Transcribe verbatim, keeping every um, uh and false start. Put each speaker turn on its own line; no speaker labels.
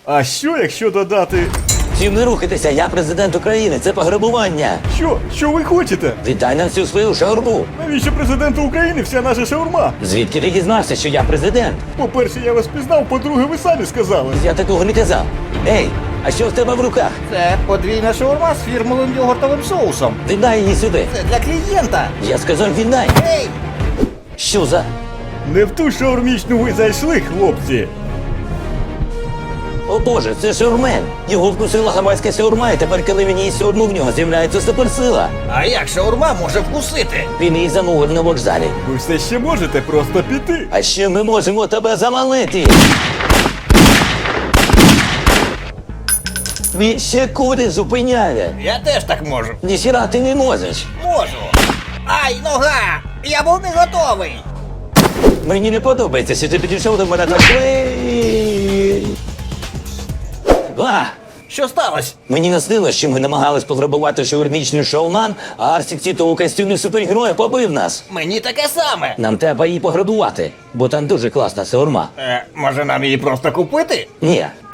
А що, якщо додати...
Всім не рухайтеся, я президент України, це пограбування.
Що? Що ви хочете?
Віддай нам всю свою шаурму.
Навіщо президенту України вся наша шаурма?
Звідки ти дізнався, що я президент?
По-перше, я вас пізнав, по-друге, ви самі сказали.
Я такого не казав. Ей, а що в тебе в руках?
Це подвійна шаурма з фірмовим йогуртовим соусом.
Віддай її сюди.
Це для клієнта.
Я сказав, віддай.
Ей!
Що за?
Не в ту шаурмічну ви зайшли, хлопці.
О боже, це шаурмен. Його вкусила гавайська шаурма, і тепер, коли він їсть шаурму, в нього з'являється суперсила.
А як шаурма може вкусити?
Він її замовив на вокзалі.
Ви все ще можете просто піти.
А ще ми можемо тебе завалити. Він ще куди зупиняє.
Я теж так можу.
Ніхіра ти не можеш.
Можу. Ай, нога! Я був не готовий.
Мені не подобається, що ти підійшов до мене так. Ей! А!
Що сталося?
Мені наснилось, що ми намагались пограбувати шаурмічний шоуман, а Арсік Тіто у костюмі супергероя побив нас.
Мені таке саме.
Нам треба її пограбувати, бо там дуже класна шаурма.
Е, може нам її просто купити?
Ні,